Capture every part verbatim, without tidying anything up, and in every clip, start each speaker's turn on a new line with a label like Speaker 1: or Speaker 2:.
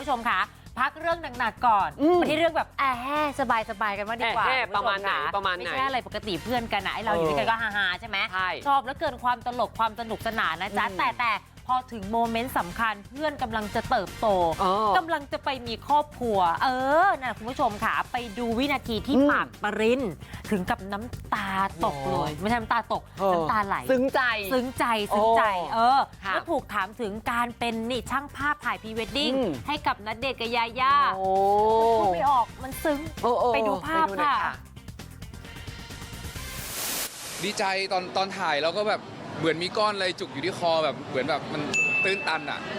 Speaker 1: ชมคะพักเรื่องหนักๆก่อนมาที่เรื่องแบบแอ่สบายๆกันมากดีกว่า
Speaker 2: ประมาณไหนประมาณไหน
Speaker 1: ไม่ใช่อะไรปกติเพื่อนกันนะไอเราอยู่ด้วยกันก็ฮาๆใช่ไหมชอบแล้วเกินความตลกความสนุกสนานนะจ๊ะแต่แต่พอถึงโมเมนต์สำคัญเพื่อนกำลังจะเติบโตกำลังจะไปมีครอบครัวเออนะคุณผู้ชมค่ะไปดูวินาทีที่หมากปรินถึงกับน้ำตาตกเลยไม่ใช่น้ำตาตกน้ำตาไหล
Speaker 2: ซึ้งใจ
Speaker 1: ซึ้งใจซึ้งใจเออแล้วถูกถามถึงการเป็นนี่ช่างภาพถ่ายพรีเวดดิ้งให้กับณเดชน์กับยาย่าพูดไม่ออกมันซึ้งไปดูภาพค่ะ
Speaker 3: ดีใจตอนตอนถ่ายเราก็แบบเหมือนมีก้อนอะไรจุกอยู่ที่คอแบบเหมือนแบบมันตื้นตันอ่ะ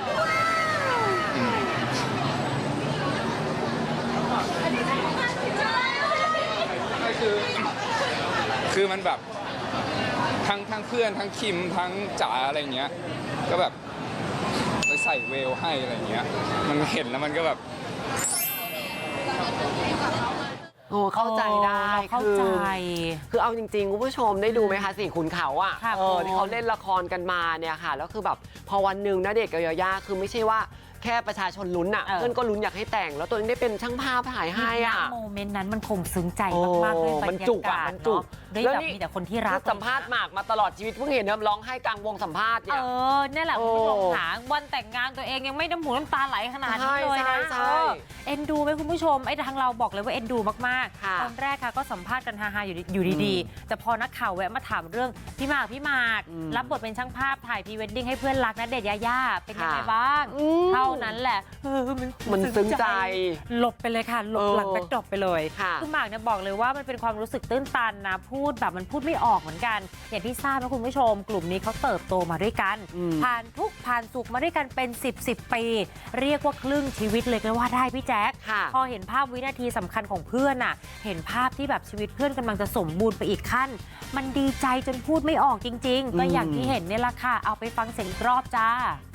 Speaker 3: คือคือมันแบบทั้งทั้งเพื่อนทั้งคิมทั้งจ๋าอะไรเงี้ยก็แบบไปใส่เวลให้อะไรเงี้ยมันเห็นแล้วมันก็แบบ
Speaker 2: โอ้เข้าใจได้
Speaker 1: เข้าใจ
Speaker 2: คือเอาจริงๆคุณผู้ชมได้ดูไหมคะสี่ขุนเขาอ่ะเออที่เขาเล่นละครกันมาเนี่ยค่ะแล้วคือแบบพอวันหนึ่งณเดชน์กับยาย่าคือไม่ใช่ว่าแค่ประชาชนลุ้นอ่ะเพื่อนก็ลุ้นอยากให้แต่งแล้วตัวเองได้เป็นช่างภาพถ่ายให้อ่ะ
Speaker 1: โมเมนต์นั้นมันคงซึ้งใจมากๆเลยบรรยากาศเนาะได้แบบมีแต่คนที่รัก
Speaker 2: สัมภาษณ์หมากมาตลอดชีวิตเพิ่งเห็นน้ำร้องไห้กลางวงสัมภาษณ์เนี่ย
Speaker 1: เออนี่แหละคุณผู้ชมค่ะวันแต่งงานตัวเองยังไม่น้ำหูน้ำตาไหลขนาดนี้เลยนะเอ็นดูไหมคุณผู้ชมไอ้ทางเราบอกเลยว่าเอ็นดูมากๆตอนแรกค่ะก็สัมภาษณ์กันฮาๆอยู่ดีๆแต่พอนักข่าวแวะมาถามเรื่องพี่หมากพี่หมากรับบทเป็นช่างภาพถ่ายพรีเวดดิ้งให้เพื่อนรักณเดชน์ยาย่าเป็นยังไงบ้างเท่านั้นแหละ
Speaker 2: มันซึ้งใจ
Speaker 1: หลบไปเลยค่ะหลบหลังแบ็คดรอปไปเลยคือหมากเนี่ยบอกเลยว่ามันเป็นความรู้สึกตื้นตันนะพูดแบบมันพูดไม่ออกเหมือนกันอย่างที่ทราบนะคุณผู้ชมกลุ่มนี้เขาเติบโตมาด้วยกันผ่านทุกผ่านสุขมาด้วยกันเป็นสิบสิบปีเรียกว่าครึ่งชีวิตเลยก็ว่าได้พี่แจ๊คพอเห็นภาพวินาทีสำคัญของเพื่อนน่ะเห็นภาพที่แบบชีวิตเพื่อนกำลังจะสมบูรณ์ไปอีกขั้นมันดีใจจนพูดไม่ออกจริงๆก็อย่างที่เห็นเนี่ยแหละค่ะเอาไปฟังเสียงรอบจ้า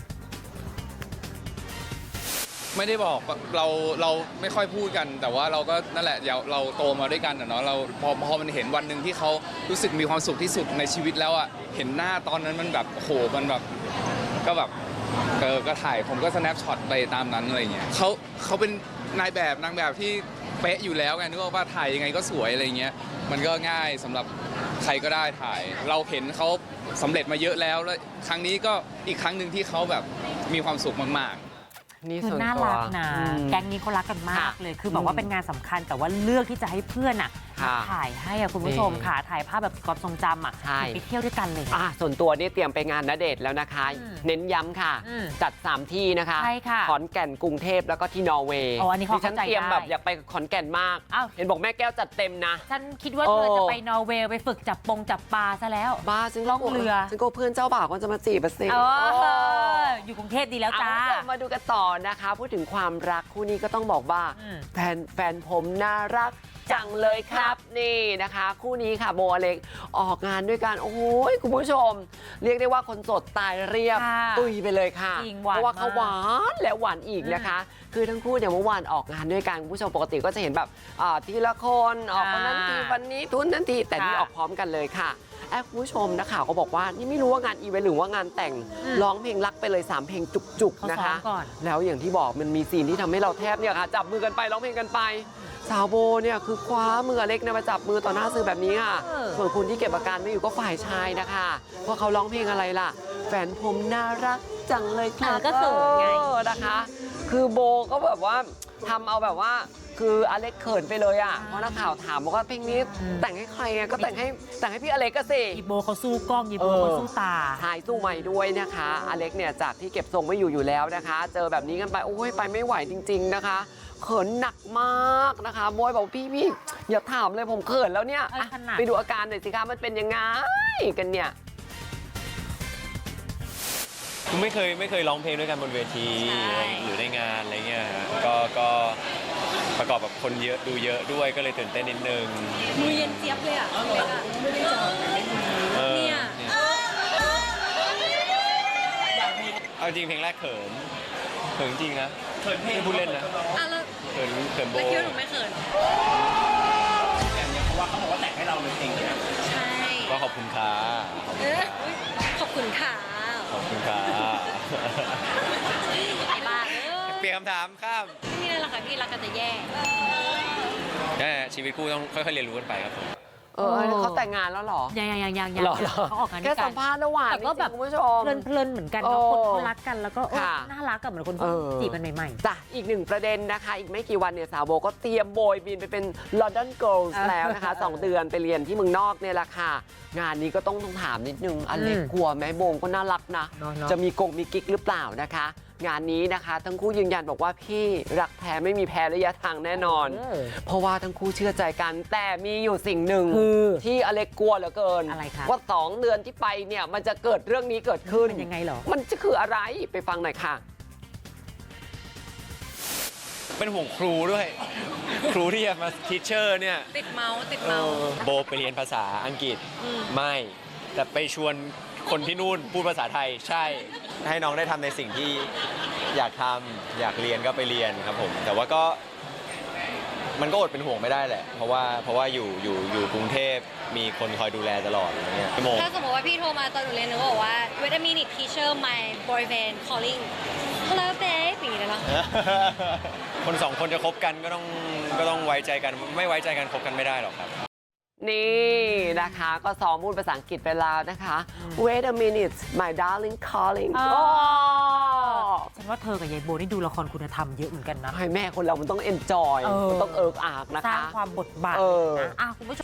Speaker 3: ไม่ได้บอกเราเราไม่ค่อยพูดกันแต่ว่าเราก็นั่นแหละเราโตมาด้วยกันเนาะเราพอพอมันเห็นวันหนึ่งที่เขารู้สึกมีความสุขที่สุดในชีวิตแล้วอ่ะเห็นหน้าตอนนั้นมันแบบโหมันแบบก็แบบเออก็ถ่ายผมก็สแนปช็อตไปตามนั้นอะไรเงี้ยเขาเขาเป็นนายแบบนางแบบที่เป๊ะอยู่แล้วไงนึกว่าถ่ายยังไงก็สวยอะไรเงี้ยมันก็ง่ายสำหรับใครก็ได้ถ่ายเราเห็นเขาสำเร็จมาเยอะแล้วแล้วครั้งนี้ก็อีกครั้งหนึ่งที่เขาแบบมีความสุขมากๆ
Speaker 1: คือน่ารักนะแก๊งนี้เขารักกันมากเลยคือบอกว่าเป็นงานสำคัญแต่ว่าเลือกที่จะให้เพื่อนอ่ะถ่ายให้คุณผู้ชมค่ะถ่ายภาพแบบความทรงจำอ่ะไปเที่ยวด้วยกันเลย
Speaker 2: ส่วนตัวนี่เตรียมไปงานณเดชน์แล้วนะคะเน้นย้ำค่ะจัดสามที่นะคะขอนแก่นกรุงเทพแล้วก็ที่นอร์เวย์ดิฉันเตรียมแบบอยากไปขอนแก่นมากเห็นบอกแม่แก้วจัดเต็มนะ
Speaker 1: ฉันคิดว่าเธอจะไปนอร์เวย์ไปฝึกจับปงจับปลาซะแล้ว
Speaker 2: บ้าซึ่งล่องเรือซึ่งก็เพื่อนเจ้าบ่าวก็จะมาจีบเปอร์เซ็นต์
Speaker 1: อยู่กรุงเทพดีแล้วจ้า
Speaker 2: มาดูกันต่อนะคะพูดถึงความรักคู่นี้ก็ต้องบอกว่าแฟนแฟนผมน่ารักจังเลยครับนี่นะคะคู่นี้ค่ะโบอเล็กออกงานด้วยกันโอ้โหคุณผู้ชมเรียกได้ว่าคนโสดตายเรียบตุยไปเลยค่ะเพราะว่าเขาหวานและหวานอีกนะคะคือทั้งคู่เนี่ยเมื่อวานออกงานด้วยกันคุณผู้ชมปกติก็จะเห็นแบบทีละคนออกวันนั้นทีวันนี้ทุนนั้นทีแต่นี่ออกพร้อมกันเลยค่ะแอบคุณผู้ชมนักข่าวก็บอกว่านี่ไม่รู้ว่างานอีเวนต์หรือว่างานแต่งร้องเพลงรักไปเลยสามเพลงจุกๆนะคะแล้วอย่างที่บอกมันมีซีนที่ทำให้เราแทบเนี่ยค่ะจับมือกันไปร้องเพลงกันไปสาวโบเนี่ยคือคว้ามือเล็กนะมาจับมือต่อหน้าสื่อแบบนี้ค่ะส่วนคุณที่เก็บอาการไม่อยู่ก็ฝ่ายชายนะคะเพราะเขาร้องเพลงอะไรล่ะแฟนผมน่ารักจังเลยค่ะ
Speaker 1: ก็คือไง
Speaker 2: นะคะคือโบก็แบบว่าทำเอาแบบว่าคืออเล็กเขินไปเลยอ่ะเพราะนักข่าวถามบอกว่าเพลงนี้แต่งให้ใครอ่ะก็แต่งให้แต่งให้พี่อเล็กก็สิ
Speaker 1: ยีโบเขาสู้กล้องยีโบเขาสู้ตา
Speaker 2: ถ่ายสู้ใหม่ด้วยนะคะอเล็กเนี่ยจากที่เก็บทรงไม่อยู่อยู่แล้วนะคะเจอแบบนี้กันไปโอ้ยไปไม่ไหวจริงๆนะคะเขินหนักมากนะคะโบยบอกพี่พี่อย่าถามเลยผมเขินแล้วเนี่ยไปดูอาการหน่อยสิคะมันเป็นยังไงกันเนี่ย
Speaker 4: คือไม่เคยไม่เคยร้องเพลงด้วยกันบนเวทีหรือในงานอะไรเงี้ยก็ก็ประกอบกับคนเยอะดูเยอะด้วยก็เลยตื่นเต้นนิดนึง
Speaker 5: มือเย็นเจี๊ยบเลยอ่ะไม่ได้จอดเนี่ย
Speaker 4: เอาจริงเพลงแรกเขินเขินจริงนะเขินเพลงพูดเล่นนะเขินเขินโบ
Speaker 5: แล้วคิดว่าหนูไม่เขิน
Speaker 4: อย่างนี้เพราะว่าเขาบอกว่าแต่งให้เราเลยจริงเนี่ย
Speaker 5: ใช่
Speaker 4: ก็ขอบคุณค่ะ
Speaker 5: ขอบคุณค่ะ
Speaker 4: ขอบคุณค่ะ
Speaker 5: ไอ้บ้า
Speaker 4: ปลี่ยนคำถามข้าม
Speaker 5: ไม่มีอะไรหรอกค่ะพี่รักกันแต่แย่
Speaker 4: แค่ชีวิตคู่ต้องค่อยๆเรียนรู้กันไปครับผม
Speaker 2: เออเขาแต่งงานแล้วเหรอ
Speaker 1: ยังยังยังยังยัง
Speaker 2: หรอหรอ
Speaker 1: เขาออกงานด้
Speaker 2: แค่
Speaker 1: วยกั
Speaker 2: สั
Speaker 1: น
Speaker 2: มภาษณ์ระหว่าง
Speaker 1: แต่ก็แบบ
Speaker 2: คุณผู้ชม
Speaker 1: เพลินๆเหมือนกันเนาะ
Speaker 2: โอ้
Speaker 1: คนเขารักกันแล้วก็เออ
Speaker 2: ค่ะ
Speaker 1: น่ารักกับเหมือนคน
Speaker 2: เออ
Speaker 1: จีบกันใหม่
Speaker 2: จ้ะอีกหนึ่งประเด็นนะคะ อีกไม่กี่วันเนี่ยสาวโบก็เตรียมโบยบินไปเป็น London Girls
Speaker 1: เออ
Speaker 2: แล้วนะคะสองเดือนไปเรียนที่เมืองนอกเนี่ยแหละค่ะ งานนี้ก็ต้องต้องถามนิดนึงอเล็ก
Speaker 1: อืม
Speaker 2: กลัวไหมโบมก็น่ารักนะ
Speaker 1: เนอะเนอะ
Speaker 2: จะมีกงมีกิ๊กหรือเปล่านะคะ งานนี้นะคะ ทั้งคู่ยืนยันบอกว่าพี่รักแท้ไม่มีแพ้ระยะทางแน่นอน
Speaker 1: เออ
Speaker 2: เพราะว่าทั้งคู่เชื่อใจกัน แต่มีอยู่สิ่งหนึ่ง
Speaker 1: คือ
Speaker 2: ที่อเล็กกลัวเหลือเกิน
Speaker 1: อะไรคะ
Speaker 2: ว่าสองเดือนที่ไปเนี่ยมันจะเกิดเรื่องนี้เกิดขึ้น
Speaker 1: มันยังไงเหรอ
Speaker 2: มันจะคืออะไรไปฟังหน่อยค่ะ
Speaker 4: เป็นห่วงครูด้วย ครูที่จะมาทีเชอร์เนี่ย
Speaker 5: ติดเมาส์ติด
Speaker 4: เอ
Speaker 5: เมาส์
Speaker 4: อโบไปเรียนภาษาอังกฤษ
Speaker 5: ม
Speaker 4: ไม่แต่ไปชวนคนที่นู่นพูดภาษาไทยใช่ ให้น้องได้ทำในสิ่งที่อยากทำอยากเรียนก็ไปเรียนครับผมแต่ว่าก็มันก็อดเป็นห่วงไม่ได้แหละ เพราะว่าเพราะว่าอยู่อยู่อยู่กรุงเทพมีคนคอยดูแลตลอดอะไรเงี้ยพี่โม
Speaker 5: ถ้าสมมติว่าพี่โทรมาตอนหนูเรียนหนูก็บอกว่า wait a minute teacher my boyfriend calling hello babe อย่างนี้เลยเหรอ
Speaker 4: คนสองคนจะคบกันก็ต้องก็ต้องไว้ใจกันไม่ไว้ใจกันคบกันไม่ได้หรอกครับ
Speaker 2: นี่นะคะก็ซ้อมพูดภาษาอังกฤษไปแล้วนะคะ wait a minute my darling calling
Speaker 1: อ๋อ
Speaker 2: โอ้
Speaker 1: ฉันว่าเธอกับยายโบนี่ดูละครคุณธรรมเยอะเหมือนกันนะ
Speaker 2: ให้แม่คนเรามันต้อง enjoy
Speaker 1: เออ
Speaker 2: มันต้องเอิกอากนะ
Speaker 1: สร้าง
Speaker 2: คะ
Speaker 1: ความบทบาท
Speaker 2: เออ
Speaker 1: นะอ่ะคุณผู้ชม